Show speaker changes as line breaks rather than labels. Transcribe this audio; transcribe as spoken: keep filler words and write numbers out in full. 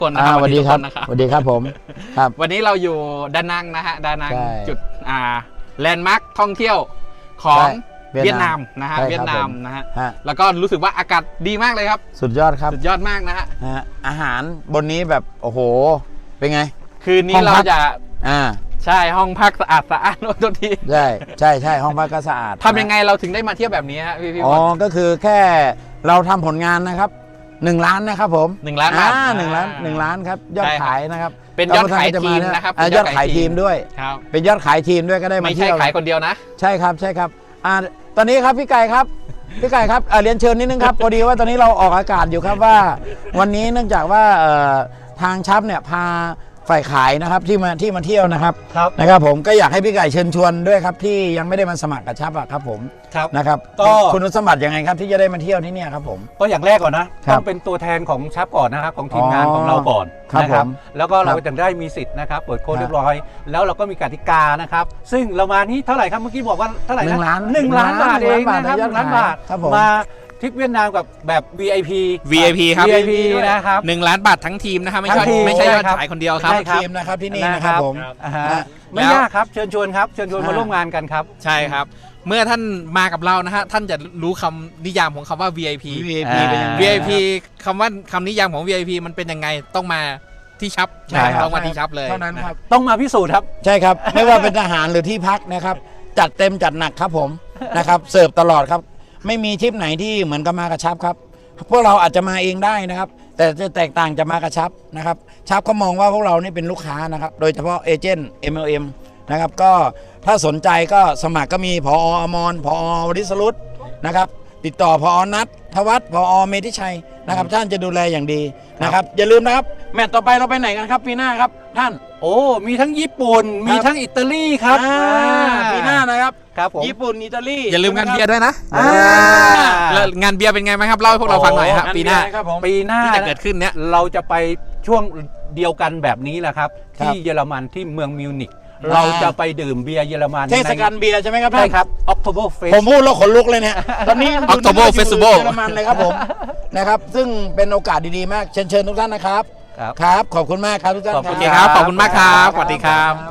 กลนะครับ
สวัสดีครับ
นะครับ
สวัสดีครับผมครับ
วันนี้เราอยู่ดานังนะฮะดานัง
ใช่
จุดอ่าแลนด์มาร์คท่องเที่ยวของ
ใช่เวี
เวี
ย
ย
ดนาน
ดาม มนะฮะ
ใช่ครับ
เวียดนามนะฮะ
ฮะ
แล้วก็รู้สึกว่าอากาศดีมากเลยครับ
สุดยอดครับ
สุดยอดมากนะฮะ
ฮะอาหารบนนี้แบบโอ้โหเป็นไง
คืนนี้
ห้อง
เรา
พัก
จะ
อ่า
ใช่ห้องพักสะอาดสะอาดโอ้โทษที
ใช่ใช่ใช่ห้องพักก็สะอาด
ทำยังไงเราถึงได้มาเที่ยวแบบนี้ฮะพี่พี่
อ๋
บ
อ
อล
ก็คือแค่เราทำผลงานนะครับหนึ่งล้านนะครับผม
หนึ่งล้านบาท
อ่หนึ่งล้านหนึ่งล้านครับยอด
ใช่ครับ
ขายนะครับ
เป็นยอดขายทีมนะครับ
อ่ายอดขายทีมด้วย
ครับ
เป็นยอดขายทีมด้วยก็ได้มา
ไม่ใช่
เที่ยว
ขายคนเดียวนะ
ใช่ครับใช่ครับอ่าตอนนี้ครับพี่ไก่ครับพี่ไก่ครับอ่าเรียนเชิญนิดนึงครับ พอดีว่าตอนนี้เราออกอากาศอยู่ครับว่า วันนี้เนื่องจากว่าเอ่อทางชับเนี่ยพาฝ่ายขายนะครับที่มาที่มาเที่ยวนะครับ
ครับ
นะครับผมก็อยากให้พี่ไก่เชิญชวนด้วยครับที่ยังไม่ได้มาสมัครกับชับอะครับผม
ครับ
นะครับ
ก็
คุณสมบัติยังไงครับที่จะได้มาเที่ยวที่เนี่ยครับผม
ก็อย่างแรกก่อนนะ
ครั
ต้
บ
องเป็นตัวแทนของชับก่อนนะครับของทีมงาน
อ๋อ
ของเราก่อน
ครับ
นะ
ผม
แล้วก็เรา
ครับ
จะได้มีสิทธิ์นะครับเปิดโค้ด
ครับ
เรียบร้อย แล้วเราก็มีกติกานะครับซึ่งเรามานี่เท่าไหร่ครับเมื่อกี้บอกว่าเท่าไหร่
หนึ่
นะ
งล้าน
หนึ่งล้านบาท
หนึ่
เอง ง
ล้าน
นะครับ
บาท
หนึ่งล้านบาท
ครับผม
มาทริปเวียดนามกับแบบ วี ไอ พี
วี ไอ พี ครับ
วี ไอ พี นะครับ
หนึ่งล้านบาททั้งทีมนะครับไม่
ทั้
ใช่
งทีม
ไม่ใช่ยอด
ใช่ครับ
ขายคนเดียวครับ
ใช่ครับ
ทีมนะครับที่นี่นะครับผม
อ่าฮะ
ฮะ
ไม่
แล้ว
ยากครับเชิญชวนครับเชิญชวน
อ่าม
มาร่วมงานกันครับ
ใช่ครับ เมื่อท่านมากับเรานะฮะท่านจะรู้คำนิยามของคำว่า วี ไอ พี
วี ไอ พี เป็นยังไง
วี ไอ พี คำว่าคำนิยามของ วี ไอ พี มันเป็นยังไงต้องมาที่ชับ
ใช่ครับ
ต้องมาที่ชับเลย
เท่านั้นครับ
ต้องมาพิสูจน์ครับ
ใช่ครับ ไม่ว่าเป็นทหารหรือที่พักนะครับ จัดเต็มจัดหนักครับผมนะครับ เสิร์ฟตลอดครับ ไม่มีทริปไหนที่เหมือนกับมากระชับครับ พวกเราอาจจะมาเองได้นะครับ แต่จะแตกต่างจะมากระชับนะครับ ชับเขามองว่าพวกเรานี่เป็นลูกค้านะครับ โดยเฉพาะเอเจนต์ เอ็ม แอล เอ็ม นะครับ ก็ถ้าสนใจก็สมัครก็มีพออมรพอวริศรุตนะครับ ติดต่อพอนัททวัฒน์พอเมธิชัยนะครับ ท่านจะดูแลอย่างดีนะครับ อย่าลืมนะครับ แมตต์ต่อไปเราไปไหนกันครับปีหน้าครับท่าน
โอ้มีทั้งญี่ปุ่นมีทั้งอิตาลีครับ
อ่า
อ่า
ปีหน้านะครับ
ครับผม
ญี่ปุ่นอิตาลี
อย่าลืมงานเบียร์ด้วยนะ
อ่า
แล้วงานเบียร์เป็นไงไหมครับเล่าให้พวกเราฟังหน่อยครับปีหน้า
ครับผม
ปีหน้า
ที่จะเกิดขึ้นเนี้ย
เราจะไปช่วงเดียวกันแบบนี้แหละครับ
ครับ
ที่เยอรมันที่เมืองมิวนิก
อ่า
เราจะไปดื่มเบียร์เยอรมัน
เทศกาลเบียร์ใช่ไหมครับ
ใช่
ท่าน
ครับ October
ผม
Fest
พูดแล้วขนลุกเลยเนี่ย ตอนนี้
October
อยู่
Festival
เยอรมันเลยครับผม นะครับ ซึ่งเป็นโอกาสดีๆมาก เชิญเชิญทุกท่านนะครับ
ครับ
ครับ ขอบคุณมากครับทุกท่าน
ขอบ
โอ
คุณ
เคครับ ขอบคุณมากครับ สวัสดีครับ